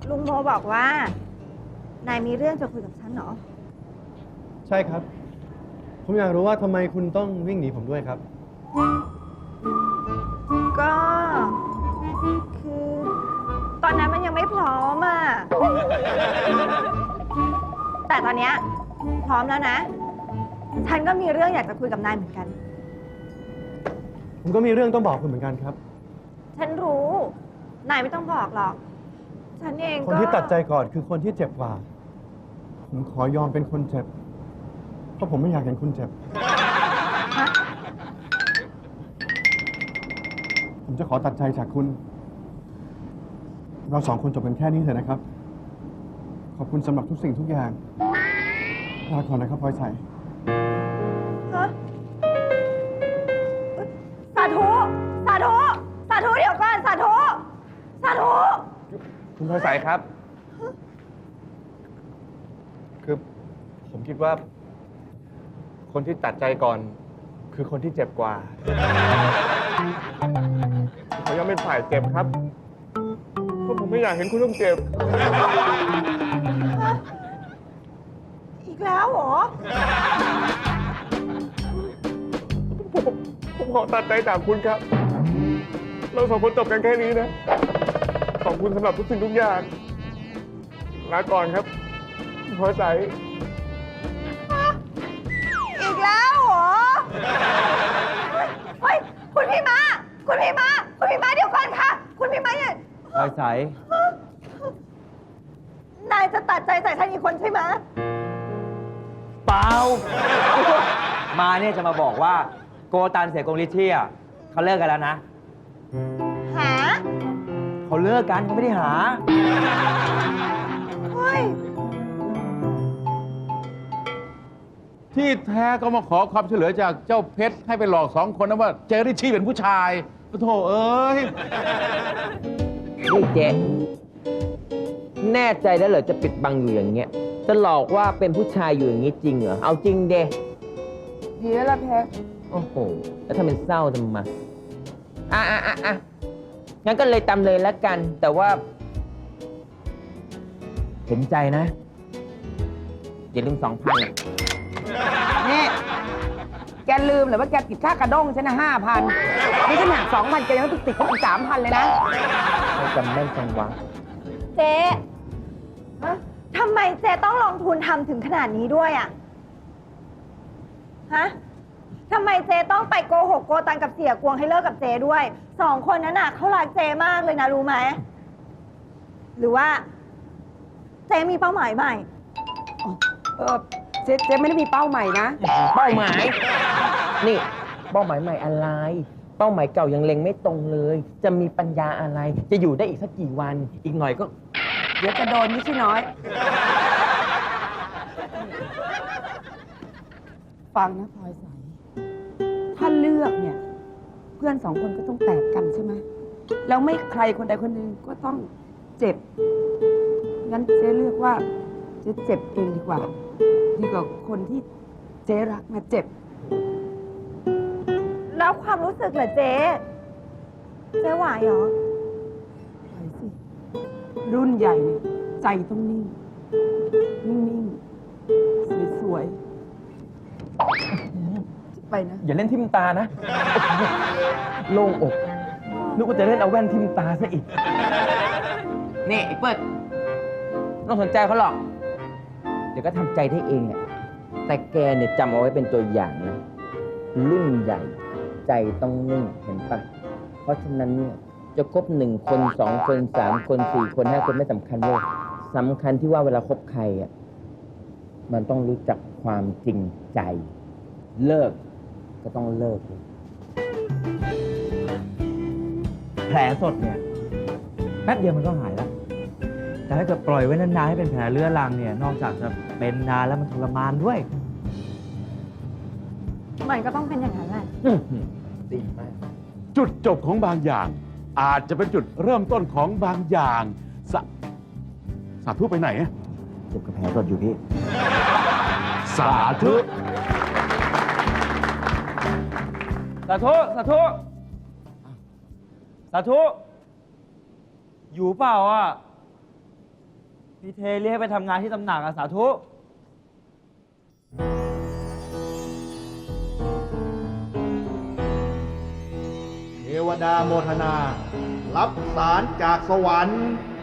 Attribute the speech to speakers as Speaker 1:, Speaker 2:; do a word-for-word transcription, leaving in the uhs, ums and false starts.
Speaker 1: ลุงโมบอกว่านายมีเรื่องจะคุยกับฉันเหรอ
Speaker 2: ใช่ครับ ผมอยากรู้ว่าทำไมคุณต้องวิ่งหนีผมด้วยครับ
Speaker 1: ก็คือ ตอนนั้นมันยังไม่พร้อมอ่ะ แต่ตอนเนี้ยพร้อมแล้วนะ ฉันก็มีเรื่องอยากจะคุยกับนายเหมือนกัน
Speaker 2: ผมก็มีเรื่องต้องบอกคุณเหมือนกันครับ
Speaker 1: ฉันรู้ นายไม่ต้องบอกหรอก ฉันเองก็
Speaker 2: คนที่ตัดใจก่อนคือคนที่เจ็บกว่า ผมขอยอมเป็นคนเจ็บ เพราะผมไม่อยากเห็นคุณเจ็บ
Speaker 1: ฮะ
Speaker 2: ผมจะขอตัดใจจากคุณ เราสองคนจบกันแค่นี้เถอะนะครับ ขอบคุณสำหรับทุกสิ่งทุกอย่าง ลาก่อนนะครับพลอยใส
Speaker 1: ฮะสาธุ สาธุ สาธุเดี๋ยวก่อน สาธุ สาธุ
Speaker 3: คุณพลอยใสครับ คือผมคิดว่า คนที่ตัดใจก่อน คือคนที่เจ็บกว่าเขายังเป็นฝ่ายเจ็บครับ เพราะผมไม่อยากเห็นคุณต้องเจ็บ
Speaker 1: อีกแล้วเหรอ
Speaker 3: ผมผมขอตัดใจจากคุณครับ เราสองคนจบกันแค่นี้นะ ขอบคุณสำหรับทุกสิ่งทุกอย่างลาก่อนครับคุณพลอยใส
Speaker 1: อีกแล้วเหรอ เฮ้ย คุณพี่มา คุณพี่มา คุณพี่มาเดี๋ยวก่อนค่ะ คุณพี่มาเนี่ย
Speaker 4: พลอยใส
Speaker 1: นายจะตัดใจใส่ฉันอีกคนใช่ไหม
Speaker 4: เปล่า มาเนี่ยจะมาบอกว่าโกตันเสียกงลิเทียเขาเลิกกันแล้วนะ
Speaker 1: หา
Speaker 4: เขาเลิกกันเขาไม่ได้หา
Speaker 1: เฮ้ย
Speaker 5: ที่แท้ก็มาขอความช่วยเหลือจากเจ้าเพชรให้ไปหลอกสองคนนะว่าเจอริชชี่เป็นผู้ชายโธ่เอ้ย
Speaker 6: นี่เจ๊แน่ใจแล้วเหรอจะปิดบังอยู่อย่างเงี้ยจะหลอกว่าเป็นผู้ชายอยู่อย่างงี้จริงเหรอ เอาจริงเดดีแล้วล่ะเพชรโอ้โห แล้วถ้าเป็นเศร้าทำไมอ่ะอ่ะอ่ะอ่ะงั้นก็เลยตำเลยแล้วกัน แต่ว่า เห็นใจนะอย่าลืมสองพันอ่ะ
Speaker 7: นี่ แกลืมหรือว่าแกติดค่ากระด้งฉันนะห้าพันนี่ฉันหักสองพันแกยังต้องติดเขาอีกสามพันเลยนะ
Speaker 6: ไม่จำแม่นจังวะ
Speaker 1: เจ๊ทำไมเจ๊ต้องลงทุนทำถึงขนาดนี้ด้วยอะฮะทำไมเจ๊ต้องไปโกหกโกตันกับเสียกวงให้เลิกกับเจ๊ด้วย สองคนนั้นน่ะเขารักเจ๊มากเลยนะรู้ไหม หรือว่า เจ๊มีเป้าหมายใหม่
Speaker 7: เออเจ๊เจ๊ไม่ได้มีเป้าใหม่นะ
Speaker 6: เป้าหมาย นี่ เป้าหมายใหม่อะไร เป้าหมายเก่ายังเล็งไม่ตรงเลย จะมีปัญญาอะไร จะอยู่ได้อีกสักกี่วัน อีกหน่อยก็
Speaker 7: เดี๋ยวจะโดนไม่ใช่น้อย ฟังนะพลอยใส ถ้าเลือกเนี่ย เพื่อนสองคนก็ต้องแตกกันใช่ไหม แล้วไม่ใครคนใดคนหนึ่งก็ต้องเจ็บ งั้นเจ๊เลือกว่าเจ๊เจ็บเองดีกว่า ดีกว่าคนที่เจ๊รักมาเจ็บ
Speaker 1: แล้วความรู้สึกเหรอเจ๊ เจ๊ไหวเหรอ
Speaker 7: ไปสิ รุ่นใหญ่เนี่ยใจต้องนิ่ง นิ่งๆ สวยๆ ไปนะ
Speaker 4: อย่าเล่นทิมตานะ โล่งอก นึกว่าจะเล่นเอาแว่นทิมตาซะอีก
Speaker 6: นี่ไอ้เปิดไม่ต้องสนใจเขาหรอก เดี๋ยวก็ทำใจได้เองอะแต่แกเนี่ยจำเอาไว้เป็นตัวอย่างนะ รุ่นใหญ่ ใจต้องนิ่งเห็นปะ เพราะฉะนั้นเนี่ยจะคบหนึ่งคนสองคนสามคนสี่คนห้าคนไม่สำคัญเลยสำคัญที่ว่าเวลาคบใครอ่ะมันต้องรู้จักความจริงใจ เลิกก็ต้องเลิก
Speaker 4: แผลสดเนี่ยแป๊บเดียวมันก็หายแล้ว แต่ถ้าเกิดปล่อยไว้นานๆให้เป็นแผลเรื้อรังเนี่ย นอกจากจะเป็นนานแล้วมันทรมานด้วย
Speaker 1: มันก็ต้องเป็นอย่างนั้นแหละ
Speaker 6: ดีมาก
Speaker 5: จุดจบของบางอย่าง อาจจะเป็นจุดเริ่มต้นของบางอย่างสะสาธุไปไหนอะ
Speaker 4: เจ็บกับแผลสดอยู่พี่
Speaker 5: สาธุ
Speaker 4: สาธุ สาธุ สาธุ อยู่เปล่าอ่ะพี่เทเรียกให้ไปทำงานที่ตำหนักอะสาธุ
Speaker 2: เทวดาโมทนา รับสารจากสวรรค์